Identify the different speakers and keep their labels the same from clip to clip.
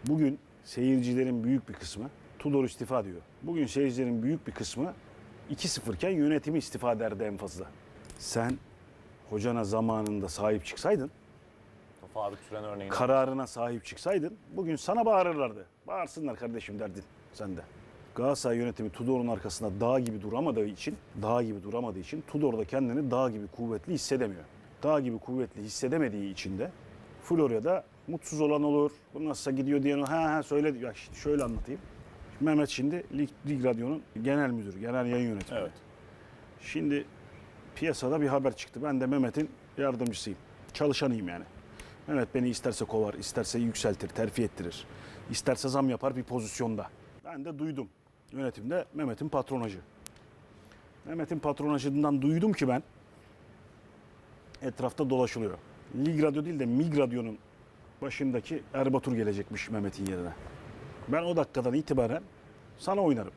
Speaker 1: Bugün seyircilerin büyük bir kısmı Tudor istifa diyor. Bugün seyircilerin büyük bir kısmı 2-0 iken yönetimi istifa derdi en fazla. Sen hocana zamanında sahip çıksaydın,
Speaker 2: Faruk Süren örneğini.
Speaker 1: kararına sahip çıksaydın bugün sana bağırırlardı. Bağırsınlar kardeşim derdin sen de. Galatasaray yönetimi Tudor'un arkasında dağ gibi duramadığı için Tudor da kendini dağ gibi kuvvetli hissedemiyor. Dağ gibi kuvvetli hissedemediği için de Florya'da mutsuz olan olur. Bu nasılsa gidiyor diyen ha söyle. Ya işte şöyle anlatayım. Mehmet şimdi Lig Radyo'nun genel müdürü, genel yayın yönetmeni.
Speaker 2: Evet.
Speaker 1: Şimdi piyasada bir haber çıktı. Ben de Mehmet'in yardımcısıyım. Çalışanıyım yani. Mehmet beni isterse kovar, isterse yükseltir, terfi ettirir. İsterse zam yapar bir pozisyonda. Ben de duydum. Yönetimde Mehmet'in patronajı. Mehmet'in patronajından duydum ki ben etrafta dolaşılıyor. Lig Radyo değil de Mig Radyo'nun başındaki Erbatur gelecekmiş Mehmet'in yerine. Ben o dakikadan itibaren sana oynarım.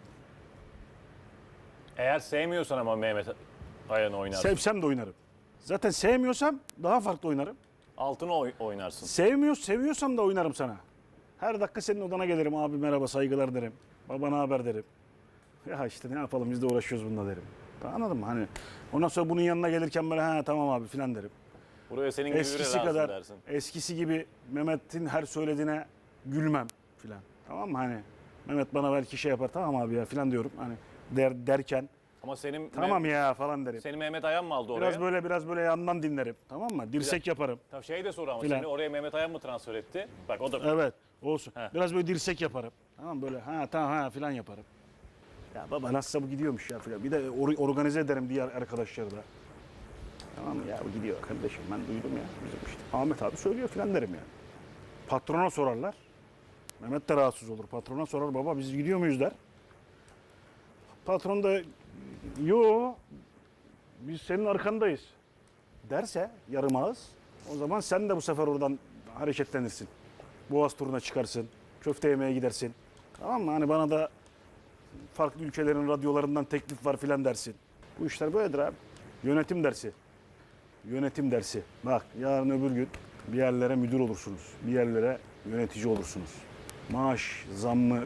Speaker 2: Eğer sevmiyorsan ama Mehmet Ayan'ı oynarsın.
Speaker 1: Sevsem de oynarım. Zaten sevmiyorsam daha farklı oynarım.
Speaker 2: Altını oynarsın.
Speaker 1: Seviyorsam da oynarım sana. Her dakika senin odana gelirim. Abi merhaba, saygılar derim. Babana haber derim. Ya işte ne yapalım biz de uğraşıyoruz bununla derim. Anladın mı? Hani ondan sonra bunun yanına gelirken böyle ha tamam abi filan derim.
Speaker 2: Buraya senin gibi biri lazım dersin.
Speaker 1: Eskisi gibi Mehmet'in her söylediğine gülmem filan. Tamam mı? Hani Mehmet bana belki şey yapar tamam abi ya filan diyorum. Hani derken
Speaker 2: Ama senin
Speaker 1: tamam ya falan derim.
Speaker 2: Seni Mehmet Ayan mı aldı oraya?
Speaker 1: Biraz böyle yandan dinlerim. Tamam mı? Dirsek yaparım.
Speaker 2: Tabii şey de soru ama
Speaker 1: Filan.
Speaker 2: seni oraya Mehmet Ayan mı transfer etti? Bak o da
Speaker 1: Evet, olsun.
Speaker 2: Heh.
Speaker 1: Biraz böyle dirsek yaparım. Tamam böyle ha tamam ha filan yaparım. Ya baba nasılsa bu gidiyormuş ya filan. Bir de organize ederim diğer arkadaşları da. Tamam mı? Ya bu gidiyor kardeşim ben duydum ya. Bizim işte Ahmet abi söylüyor filan derim yani. Patrona sorarlar. Mehmet de rahatsız olur. Patrona sorar baba biz gidiyor muyuz der. Patron da yo biz senin arkandayız derse yarım ağız o zaman sen de bu sefer oradan hareketlenirsin. Boğaz turuna çıkarsın. Köfte yemeye gidersin. Tamam mı? Hani bana da farklı ülkelerin radyolarından teklif var filan dersin. Bu işler böyledir abi. Yönetim dersi. Yönetim dersi. Bak yarın öbür gün bir yerlere müdür olursunuz. Bir yerlere yönetici olursunuz. Maaş zammı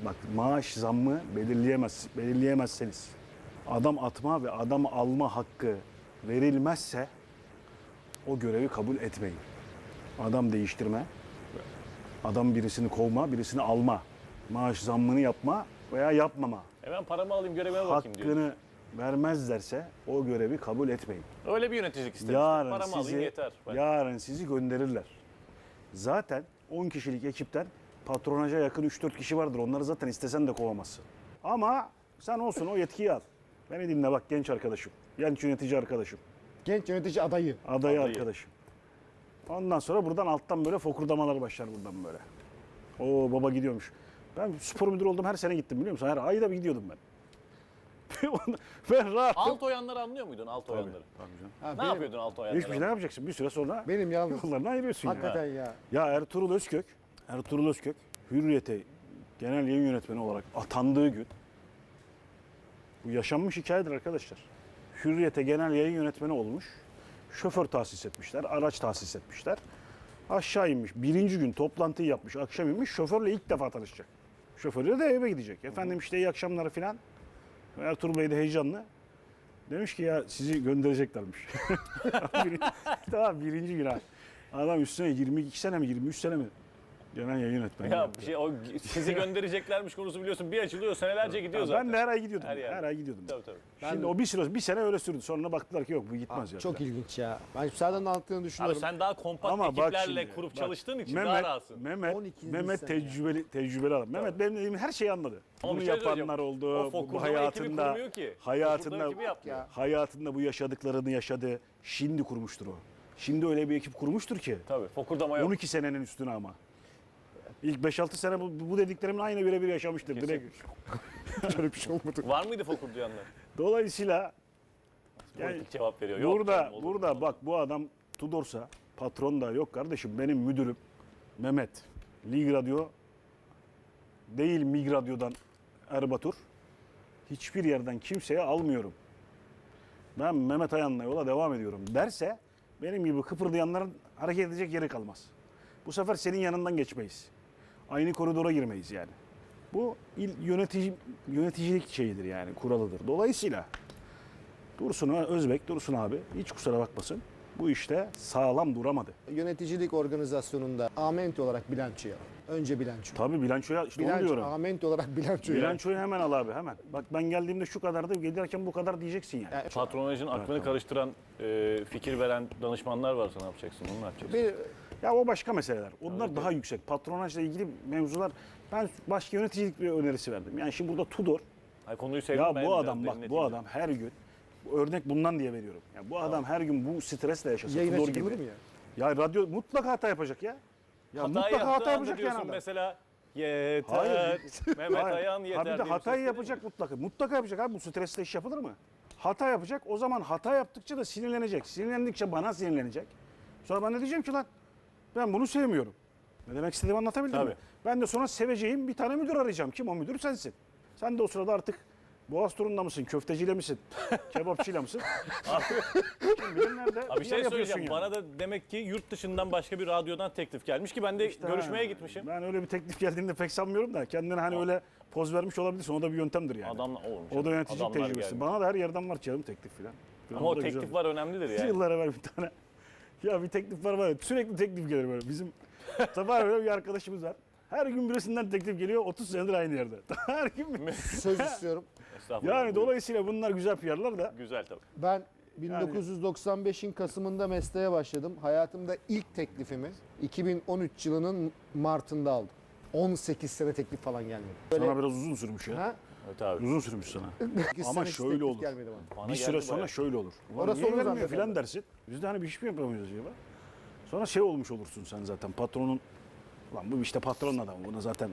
Speaker 1: belirleyemezseniz adam atma ve adam alma hakkı verilmezse o görevi kabul etmeyin. Adam değiştirme, adam birisini kovma, birisini alma, maaş zammını yapma veya yapmama
Speaker 2: ben paramı alayım görevime bakayım diyor.
Speaker 1: hakkını vermezlerse o görevi kabul etmeyin.
Speaker 2: Öyle bir yöneticilik istedim. Paramı alayım yeter.
Speaker 1: Yarın sizi gönderirler. Zaten 10 kişilik ekipten patronaja yakın 3-4 kişi vardır. Onları zaten istesen de kovamazsın. Ama sen olsun o yetkiyi al. Beni dinle bak genç arkadaşım. Genç yönetici arkadaşım.
Speaker 3: Genç yönetici adayı.
Speaker 1: Adayı arkadaşım. Ondan sonra buradan alttan böyle fokurdamalar başlar buradan böyle. Oo baba gidiyormuş. Ben spor müdürü oldum her sene gittim biliyor musun? Her ayda bir gidiyordum ben. Ben rahatım.
Speaker 2: Alt oyanları anlıyor muydun alt oyanları?
Speaker 1: Tabii canım.
Speaker 3: Ha,
Speaker 2: Ne
Speaker 3: benim-
Speaker 2: yapıyordun alt oyanları?
Speaker 1: Hiçbir şey ne yapacaksın? Bir süre sonra
Speaker 3: Benim yalnız.
Speaker 1: yollarını ayırıyorsun
Speaker 3: Hakikaten ya.
Speaker 1: Ya Ertuğrul Özkök Hürriyet'e genel yayın yönetmeni olarak atandığı gün bu yaşanmış hikayedir arkadaşlar. Hürriyet'e genel yayın yönetmeni olmuş. Şoför tahsis etmişler, araç tahsis etmişler. Aşağı inmiş. Birinci gün toplantıyı yapmış. Akşam inmiş. Şoförle ilk defa tanışacak. Şoförle de eve gidecek. Efendim işte iyi akşamlar filan. Ertuğrul Bey de heyecanlı. Demiş ki ya sizi göndereceklermiş. Daha birinci gün ha. Adam üstüne 22 sene mi 23 sene mi genel yayın yönetmeni.
Speaker 2: Ya bir şey o sizi göndereceklermiş konusu biliyorsun bir açılıyor senelerce gidiyor zaten.
Speaker 1: Ben de her ay gidiyordum.
Speaker 2: Her yerde.
Speaker 1: Her ay gidiyordum.
Speaker 2: Tabii.
Speaker 1: Şimdi o bir sene öyle sürdü. Sonra baktılar ki yok bu gitmez ya.
Speaker 3: Çok ilginç ya. Ben senden de anlattığını
Speaker 2: Abi
Speaker 3: düşünüyorum.
Speaker 2: sen daha kompakt
Speaker 1: Ama bak
Speaker 2: ekiplerle
Speaker 1: şimdi,
Speaker 2: kurup
Speaker 1: bak,
Speaker 2: çalıştığın için daha rahatsın.
Speaker 1: Mehmet
Speaker 3: 12.
Speaker 1: Mehmet
Speaker 3: sene
Speaker 1: tecrübeli adam. Mehmet benim dediğim her şeyi anladı.
Speaker 2: Ama
Speaker 1: Bunu
Speaker 2: bir şey
Speaker 1: yapanlar
Speaker 2: söyleyeceğim.
Speaker 1: oldu.
Speaker 2: O
Speaker 1: Bu
Speaker 2: fokurdama ekibi kurmuyor ki. Fokurdama ekibi yapmıyor.
Speaker 1: hayatında bu yaşadıklarını yaşadı. Şimdi kurmuştur o. Şimdi öyle bir ekip kurmuştur ki.
Speaker 2: Tabii fokurdama yok.
Speaker 1: 12 senenin üstüne ama. İlk 5-6 sene bu dediklerimin aynı birebir yaşamıştır.
Speaker 2: Kesin.
Speaker 1: Direkt öyle bir şey olmadı.
Speaker 2: Var mıydı fokurdayanlar?
Speaker 1: Dolayısıyla yani
Speaker 2: Politik cevap veriyor. Yok canım, olur mu?
Speaker 1: burada bak bu adam Tudor'sa patron da yok kardeşim benim müdürüm Mehmet. Lig Radyo değil Mig Radyo'dan Erbatur. Hiçbir yerden kimseye almıyorum. Ben Mehmet Ayan'la yola devam ediyorum derse benim gibi kıpırdayanların hareket edecek yeri kalmaz. Bu sefer senin yanından geçmeyiz. aynı koridora girmeyiz yani. Bu yöneticilik şeyidir yani, kuralıdır. Dolayısıyla Dursun abi hiç kusura bakmasın. Bu işte sağlam duramadı.
Speaker 3: Yöneticilik organizasyonunda amenti olarak bilançoya. Önce bilanço.
Speaker 1: Tabii bilançoya işte onu
Speaker 3: Bilanço,
Speaker 1: diyorum.
Speaker 3: amenti olarak bilançoya.
Speaker 1: Bilançoyu hemen al abi hemen. Bak ben geldiğimde şu kadardı, gelirken bu kadar diyeceksin yani.
Speaker 3: Yani
Speaker 2: Patronajın aklını karıştıran, fikir veren danışmanlar varsa ne yapacaksın? Onu ne yapacaksın?
Speaker 3: bir,
Speaker 1: Ya o başka meseleler. Onlar daha yüksek. Patronajla ilgili mevzular. Ben başka yöneticilik bir önerisi verdim. Yani şimdi burada Tudor.
Speaker 2: Ay, konuyu sevdim
Speaker 1: Ya
Speaker 2: ben
Speaker 1: bu
Speaker 2: biraz
Speaker 1: adam bak bu
Speaker 2: dinleteyim.
Speaker 1: adam her gün örnek bundan diye veriyorum. Ya bu adam her gün bu stresle yaşasa
Speaker 3: yayına
Speaker 1: Tudor
Speaker 3: çıkılır
Speaker 1: gibi.
Speaker 3: mı ya?
Speaker 1: Ya radyo mutlaka hata yapacak ya. Ya
Speaker 2: Hata
Speaker 1: mutlaka
Speaker 2: yaptığı
Speaker 1: hata
Speaker 2: anda
Speaker 1: yapacak yani
Speaker 2: diyorsun
Speaker 1: adam.
Speaker 2: mesela yeter.
Speaker 1: Hayır.
Speaker 2: Mehmet
Speaker 1: Hayır.
Speaker 2: Ayan yeter.
Speaker 1: Ha bir de
Speaker 2: diye bir
Speaker 1: hatayı
Speaker 2: ses
Speaker 1: yapacak mutlaka. Mutlaka yapacak abi, bu stresle iş yapılır mı? Hata yapacak. O zaman hata yaptıkça da sinirlenecek. Sinirlendikçe bana sinirlenecek. Sonra ben de diyeceğim ki lan ben bunu sevmiyorum. Ne demek istediğimi anlatabildim
Speaker 2: Tabii.
Speaker 1: mi? Ben de sonra seveceğim bir tane müdür arayacağım. Kim o müdür? Sensin. Sen de o sırada artık Boğaz turunda mısın? Köfteciyle misin? Kebapçıyla mısın? Kim bilir nerede?
Speaker 2: Abi bir şey
Speaker 1: yer
Speaker 2: söyleyeceğim.
Speaker 1: yapıyorsun
Speaker 2: Bana da demek ki yurt dışından başka bir radyodan teklif gelmiş ki ben de
Speaker 1: İşte
Speaker 2: görüşmeye
Speaker 1: ha,
Speaker 2: gitmişim.
Speaker 1: Ben öyle bir teklif geldiğinde pek sanmıyorum da kendine hani öyle poz vermiş olabilirsin. O da bir yöntemdir yani.
Speaker 2: Adamla olmuş.
Speaker 1: O da yöneticilik
Speaker 2: Adamlar
Speaker 1: tecrübesi.
Speaker 2: gelmiş.
Speaker 1: Bana da her yerden var canım teklif filan.
Speaker 2: Ama o teklifler önemlidir yani.
Speaker 1: Yıllar evvel bir tane. Ya bir teklif var ya, sürekli teklif gelir böyle. Bizim sabah böyle bir arkadaşımız var. Her gün birisinden teklif geliyor, 30 senedir aynı yerde. Her gün bir...
Speaker 3: Söz istiyorum.
Speaker 2: Estağfurullah.
Speaker 1: Yani dolayısıyla bunlar güzel PR'lar da.
Speaker 2: Güzel tabii.
Speaker 3: Ben 1995'in Kasım'ında mesleğe başladım. Hayatımda ilk teklifimi 2013 yılının Mart'ında aldım. 18 sene teklif falan gelmedi. Böyle,
Speaker 1: Sana biraz uzun sürmüş ya.
Speaker 3: ha?
Speaker 2: Evet abi.
Speaker 1: Uzun sürmüş sana.
Speaker 3: 8
Speaker 1: Ama
Speaker 3: sene hiç
Speaker 1: şöyle
Speaker 3: teklif
Speaker 1: olur.
Speaker 3: gelmedi bana.
Speaker 2: Bana
Speaker 1: Bir süre
Speaker 2: geldi
Speaker 1: sonra
Speaker 2: bayağı.
Speaker 1: şöyle olur. Ulan
Speaker 3: Orası
Speaker 1: niye
Speaker 3: olur
Speaker 1: vermiyor
Speaker 3: zaten.
Speaker 1: filan dersin. Biz de hani bir iş mi yapamıyoruz acaba? Sonra şey olmuş olursun sen zaten patronun. Lan bu işte patronun adamı. Bunu zaten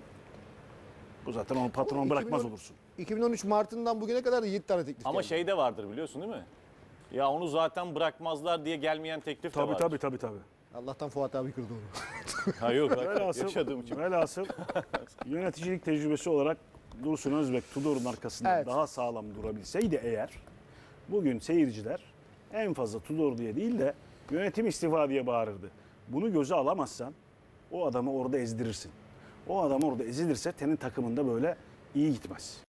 Speaker 1: bu zaten onu patron bırakmaz
Speaker 3: 2010
Speaker 1: olursun.
Speaker 3: 2013 Mart'ından bugüne kadar da 7 tane teklif
Speaker 2: Ama
Speaker 3: geldi.
Speaker 2: şey de vardır biliyorsun değil mi? Ya onu zaten bırakmazlar diye gelmeyen teklif de vardır.
Speaker 1: Tabii.
Speaker 3: Allah'tan Fuat abi kırdı onu.
Speaker 2: Ha yok
Speaker 1: Velhasıl,
Speaker 2: yaşadığım için.
Speaker 1: velhasıl yöneticilik tecrübesi olarak Dursun Özbek Tudor'un arkasında
Speaker 3: Evet.
Speaker 1: daha sağlam durabilseydi eğer, bugün seyirciler en fazla Tudor diye değil de yönetim istifa diye bağırırdı. Bunu göze alamazsan o adamı orada ezdirirsin. O adam orada ezilirse senin takımında böyle iyi gitmez.